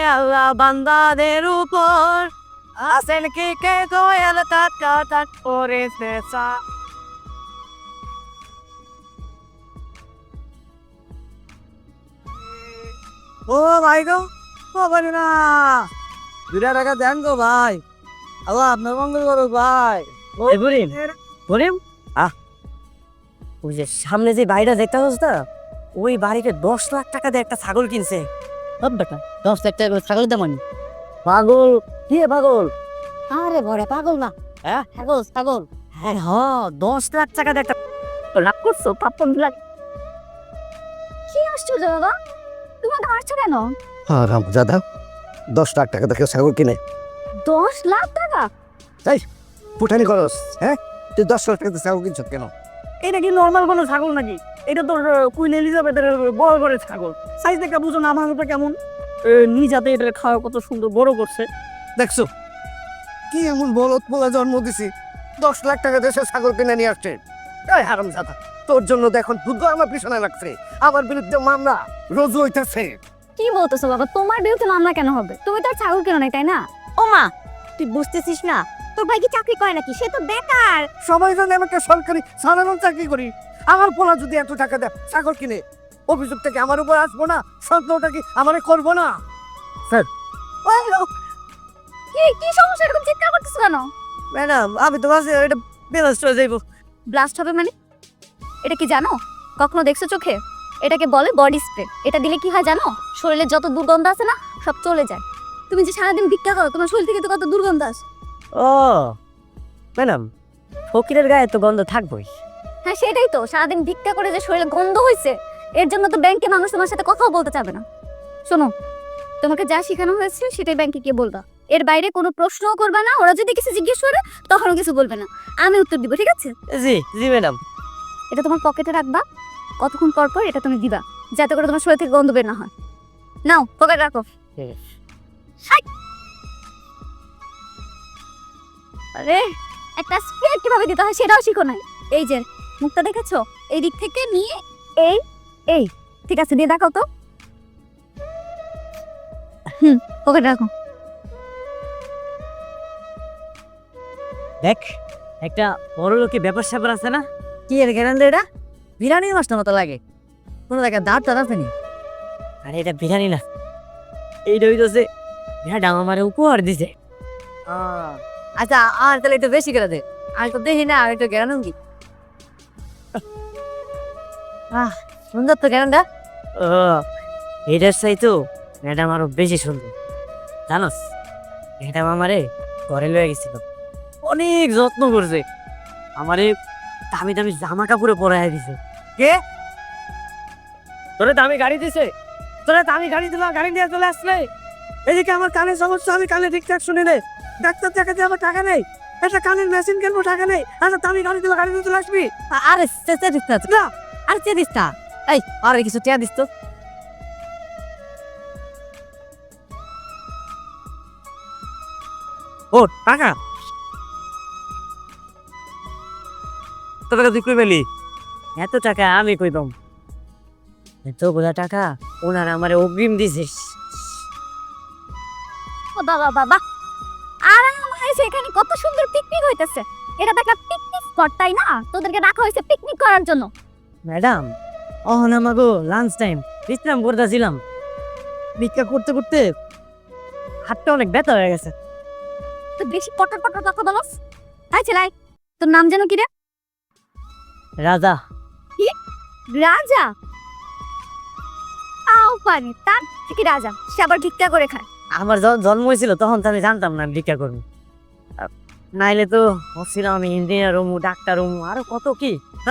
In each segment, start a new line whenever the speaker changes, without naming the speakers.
আল্লাহ বান্দাদের উপর আছেন কি কে দয়াল তাট করেছে ও ভাই গো ও বলি না 2 টাকা দেন গো ভাই আল্লাহ আপনার মঙ্গল করো ভাই বলিম বলিম ওই যে সামনে যে বাড়িটা দেখতে পাচ্ছ না ওই বাড়িতে 10 লাখ টাকা দিয়ে একটা ছাগল কিনছে বেটা 10 লাখ টাকা ছাগল দাম পাগল কি পাগল আরে বড়ে পাগল না হ্যাঁ ছাগল ছাগল হ্যাঁ 10 লাখ টাকা দিয়ে একটা লাভ করছো 55 লাখ
কি আশ্চর্য বাবা, তুমি হাসছো কেন?
দাদা 10 লাখ টাকা দেখে ছাগল কিনে
10 লাখ টাকা?
তাই ফুটানি খরচ, হ্যাঁ তুই 10 লাখ টাকা ছাগল কিনছ কেন?
এটা কি নর্মাল কোনো ছাগল নাকি? এটা তো কুইন এলিজাবেথের বড় করে ছাগল, সাইজ দেখে বুঝো না আমার ওটা কেমন নিজাতে এটা খাওয়া কত সুন্দর বড় করছে
দেখছো কি এমন বলত বলা জন্ম দিছি 10 লাখ টাকা দেশে ছাগল কিনে নিয়ে আসছে। এই হারাম দাদা তোর জন্য দেখুন দুধ আমার পিছনে লাগছে, আমার বিরুদ্ধে মামলা রোজ হইতেছে।
কি বলতেছো বাবা, তোমার বিরুদ্ধে মামলা কেন হবে? তুমি তো আর ছাগল কেন নাই, তাই না?
ও মা, তুই বুঝতেছিস না তোর ভাই কি চাকরি করে নাকি? সে তো বেকার।
সবাই জানে আমাকে সরকারি সাধারণ চাকরি করি, আমার পোলা যদি এত টাকা দেয় ছাগল কিনে অভিযোগ থেকে আমার উপর আসবো না? সন্দেহটা কি আমারে করবো না? স্যার
কি সমস্যা, এরকম চিৎকার করতেছো কেন?
ম্যাডাম আমি তো ভাবছি এটা বেলাস চলে যাইব।
ব্লাস্ট হবে মানে? এটা কি জানো? কখনো দেখছো চোখে? এটাকে বলে বডি স্প্রে। এটা দিলে কি হয় জানো? শরীরে যত দুর্গন্ধ আছে না সব চলে যায়। তুমি যে সারাদিন ভিক্ষা করো, তোমার শরীর থেকে তো কত দুর্গন্ধ আসে।
ও ম্যাডাম, ফকিরের গায়ে তো গন্ধ থাকবই।
হ্যাঁ সেটাই তো, সারাদিন ভিক্ষা করে যে শরীরে গন্ধ হয়েছে, এর জন্য তো ব্যাংকে মানুষ তোমার সাথে কথাও বলতে চাবে না। শোনো, তোমাকে যা শেখানো হয়েছে সেটাই ব্যাংকে গিয়ে বলবা। এর বাইরে কোনো প্রশ্নও করবে না। ওরা যদি কিছু জিজ্ঞেস করে তখনও কিছু বলবে না, আমি উত্তর দিব, ঠিক আছে?
জি জি ম্যাডাম।
এটা তোমার পকেটে রাখবা, কতক্ষণ পর পর এটা তুমি দিবা, যাতে করে তোমার শরীর থেকে গন্ধ বের না হয়। নাও পকেটে রাখো। আরে একটা স্প্রে কিভাবে দিতে হয় সেটাও শিখো নাই। এই যে মুখটা দেখেছো, এই দিক থেকে নিয়ে এই এই ঠিক আছে দিয়ে দেখাও তো। পকেটে রাখো।
দেখ একটা বড় লোকের ব্যাপার স্যাপার আছে না? কি এর গ্যারান্টি? এটা বিরিয়ানির মাছটা মতো লাগে, কোনো জায়গায় দাঁত টাত আছে নি? আরে এটা বিরিয়ানি না, এইটা হইতেছে ম্যাডাম আমার উপহার দিছে। আচ্ছা আর তাহলে একটু বেশি করে দে, আমি তো দেখি না, আর একটু গ্যারান্টি কি সুন্দর তো গ্যারান্টা। ও এটার চাই তো ম্যাডাম আরো বেশি সুন্দর। জানোস ম্যাডাম আমারে ঘরে লয়ে গেছিল, অনেক যত্ন করছে, আমারে দামি দামি জামা কাপড়ে পরাই দিছে। কে তোরে দামি গাড়ি দিছে? তোরে দামি গাড়ি দিল, গাড়ি নিয়ে চলে আসলে। এদিকে আমার কানের সমস্যা, আমি কানে ঠিকঠাক শুনি নে, ডাক্তার দেখাতে আমার টাকা নেই, একটা কানের মেশিন কিনবো টাকা নেই, আচ্ছা দামি গাড়ি দিল, গাড়ি নিয়ে চলে আসবি। আরে দিস না, আর চেয়ে দিস না, এই আরে কিছু চেয়ে দিস তো। ও টাকা তুই কই পেলি? এত টাকা আমি কই পাম? এতগুলা টাকা ওনারা আমার অগ্রিম দিছিস।
ও বাবা বাবা, আরাম হয়েছে, এখানে কত সুন্দর পিকনিক হইতেছে। এটা তো একটা পিকনিক স্পট, তাই না? তোদেরকে রাখা হয়েছে পিকনিক করার জন্য।
ম্যাডাম অহন আমাগো লাঞ্চ টাইম, বিশ্রাম করতেছিলাম, ভিক্ষা করতে করতে হাতটা অনেক ব্যথা হয়ে গেছে।
তো বেশি পটর পটর কথা বলস। তাই ছেলাই, তোর নাম যেন কি রে?
রাজা।
কি রাজা? আও পানি তার থেকে রাজা, সে আবার ভিক্ষা করে খায়।
আমার যখন জন্ম হয়েছিল তখন তো আমি জানতাম না আমি ভিক্ষা করবো, নাইলে তো ভাবছিলাম আমি ইঞ্জিনিয়ার হমু, ডাক্তার হমু, আরো কত কি।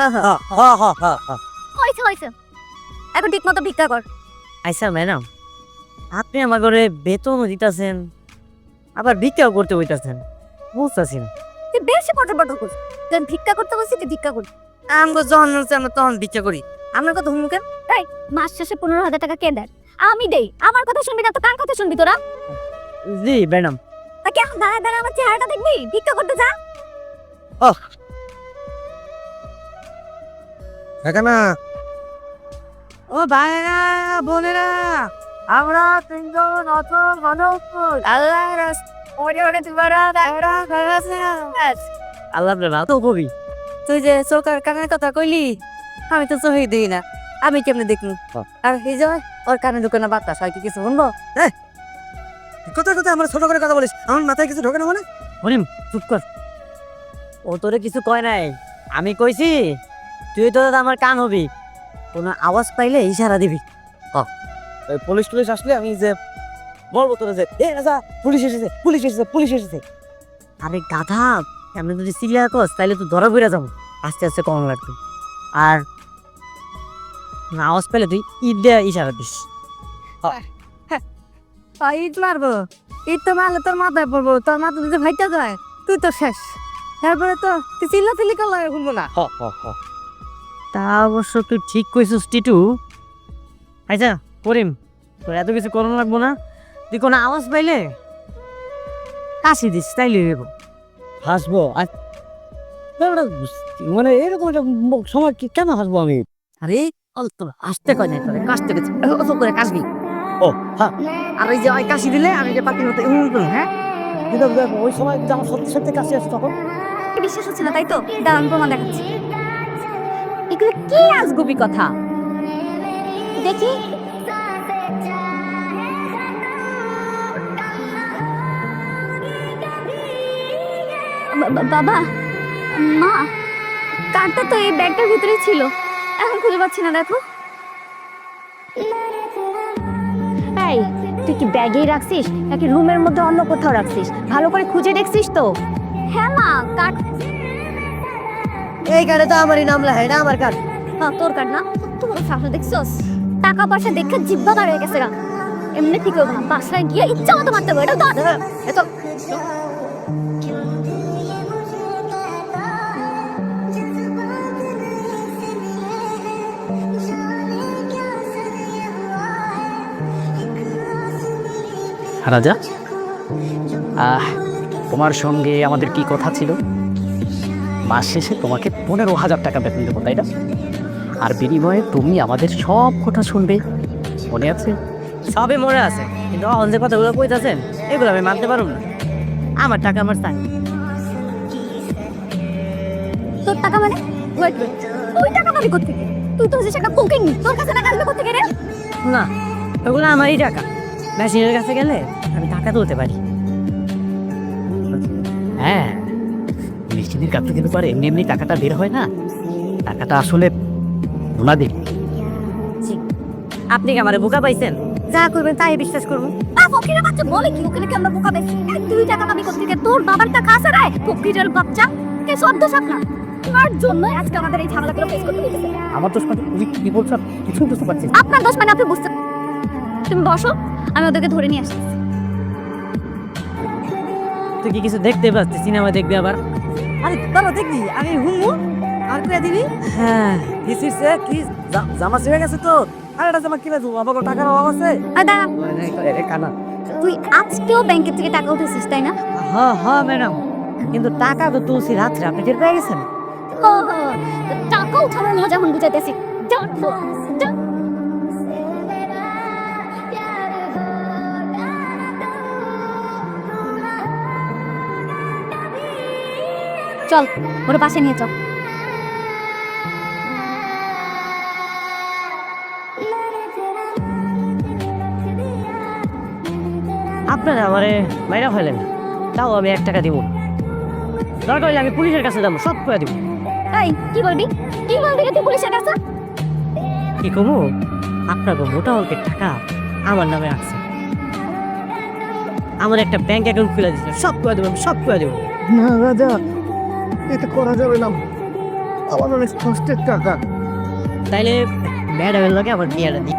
হয়েছে হয়েছে, এখন ঠিক মতো ভিক্ষা কর।
আচ্ছা ম্যাডাম, আপনি আমার ঘরে বেতনও দিতেছেন আবার ভিক্ষাও করতে হইতাছেন, বুঝতেছি না।
তুই বেশি পটর পটর করিস। তুই ভিক্ষা করতে বলছিস, তুই ভিক্ষা কর।
আমগো যখন হচ্ছে আমরা তখন ভিক্ষা করি, আপনার কথা হুমু কেন?
এই মাস শেষে 15,000 টাকা কে দেয়? আমি দেই। আমার কথা শুনবি না তো কার কথা শুনবি তোরা?
জি ম্যাডাম।
তা কি এখন দাঁড়ায় দাঁড়ায় আমার চেহারাটা দেখবি? ভিক্ষা করতে যা।
এখানে
ও ভাইরা বোনেরা আমরা তিনজন অত মানব আল্লাহ আল্লাহ প্রেমা তো কবি
তুই যে চোখের কানের কথা কইলি আমি তো চোখে দিই না, আমি কেমনে দেখবো? আর এই যে ওর কানে ঢুকে না বাতাস হয় কি কিছু শুনবো?
কথা কথা আমার ছোট করে কথা বলিস, আমার মাথায় কিছু ঢোকে না মানে?
হরিম চুপ কর, ও তোরে কিছু কয় নাই, আমি কইছি তুই তো আমার কান হবি, কোনো আওয়াজ পাইলে ইশারা দিবি।
পুলিশ টুলিশ আসলে আমি যে বলবো তোরা যে এ রাজা পুলিশ এসেছে পুলিশ এসেছে পুলিশ এসেছে।
আরে গাধা, এমনি যদি চিল্লা কস তাইলে তো ধরা পড়ে যাবো, আস্তে আস্তে কম লাগবে। আর না আওয়াজ পেলে তুই ঈদ দিয়ে ইশারা দিস।
ঈদ মারবো, ঈদ তো মারলে তোর মাথায় পড়বো, তোর মাথা যদি ভাইটা যায় তুই তো শেষ। তারপরে তো তুই চিল্লা চিল্লি করলে শুনবো না।
তা অবশ্য তুই ঠিক কইছিস টিটু। আচ্ছা করিম, তোর এত কিছু করণ লাগবো না, তুই কোনো আওয়াজ পাইলে কাশি দিস তাইলে হইব।
হাসবো মানে এরকম একটা সময় কেন হাসবো আমি?
আরে অল্প আসতে কয় নাই তোরে, কাশতে গেছে অত করে কাশবি।
ও হ্যাঁ,
আর ওই যে ওই কাশি দিলে আমি যে পাখির মতো হ্যাঁ
কিন্তু ওই সময় যদি আমার সত্যি সত্যি কাছে আসে তখন
বিশ্বাস হচ্ছে না তাই তো, দাঁড়ান প্রমাণ দেখাচ্ছি।
এগুলো কি আজগুবি কথা?
দেখি বাবা, মা, কার্ডটা তো এই ব্যাগটার ভিতরে ছিল, এখন খুঁজে পাচ্ছি না। দেখো
এই তুই কি ব্যাগেই রাখছিস নাকি রুমের মধ্যে অন্য কোথাও রাখছিস? ভালো করে খুঁজে দেখছিস তো?
হ্যাঁ মা, কার্ড
এই কার্ডে তো আমারই নাম লেখা, এটা আমার কার্ড।
তোর কার্ড না? তোমার শাসন দেখছস, টাকা পয়সা দেখে জিব্বা বার হয়ে গেছে গা। এমনি ঠিক হবে না, বাসায় গিয়ে ইচ্ছা মতো মারতে হবে। এটা ধর, এত
রাজা, তোমার সঙ্গে আমাদের কি কথা ছিল? মাস শেষে তোমাকে 15,000 টাকা বেতন দেবো, তাই না? আর বিনিময়ে তুমি আমাদের সব কথা শুনবে, মনে আছে?
সবই মনে আছে, কিন্তু অন যে কথাগুলো কইতাছেন এগুলো আমি মানতে পারব না। আমার টাকা আমার চাই।
তোর টাকা মানে? ওয়েট ওয়েট, তুই টাকা পাবি কোত্থেকে? তুই তো হচ্ছিস একটা কোকিং, তোর কাছে টাকা আসবে কোত্থেকে রে?
না, ওগুলো আমারই টাকা। মেশিনের কাছে গেলে আমি টাকা তুলতে পারি।
হ্যাঁ, মেশিনের কাছে গেলে পরে এমনি এমনি টাকাটা বের হয় না, টাকাটা আসলে ওনাদের।
আপনি কি আমারে বোকা পাইছেন?
যা করবেন তাই বিশ্বাস করবো।
ফকিরের বাচ্চা বলে কি, ওখানে কি আমরা বোকা পেয়েছি? তুই টাকা পাবি কোত্থেকে? তোর বাবার টাকা আছে রে, ফকিরের বাচ্চা। কে সদ্য সাপনা, তোমার জন্য আজকে আমাদের এই ঝামেলাগুলো ফেস করতে হয়েছে।
আমার দোষ মানে তুমি কি বলছো কিছুই বুঝতে পারছি না।
আপনার দোষ মানে আপনি বুঝতে, তুমি বসো, আমি ওদেরকে ধরে নিয়ে আসছি।
তুই কি কিছু দেখতে পাচ্ছিস? সিনেমা দেখবি আবার?
আরে দাঁড়া দেখবি, আমি হুমু আর করে দিবি।
হ্যাঁ,
কি জামা ছিঁড়ে গেছে তো? আর এটা জামা কিনে দেবো, আমার টাকার অভাব আছে।
আর দাঁড়া,
কানা
তুই আজকেও ব্যাংকের থেকে টাকা উঠেছিস তাই না?
হ্যাঁ হ্যাঁ ম্যাডাম, কিন্তু টাকা তো তুলছি রাত্রে, আপনি টের পেয়ে গেছেন?
ও তো টাকা উঠানোর মজা এখন বুঝাইতেছি। চল ওর পাশে নিয়ে চল।
আপনারা আমারে মাইরা ফেলেন, তাও আমি 1 টাকা দিব। দরকার হলে আমি পুলিশের কাছে যাবো, সব করে দিব।
এই কি বলবি, কি বলবি রে তুই পুলিশের কাছে?
কি করবো? আপনার মোটা অঙ্কের টাকা আমার নামে আছে, আমার একটা ব্যাংক অ্যাকাউন্ট খুলে দিচ্ছে, সব করে দেবো, সব করে দেবো।
না রাজা, এটা করা যাবে না, আমার অনেক কষ্টের টাকা।
তাইলে ম্যাডামের লগে আমার বিয়েটা দিই।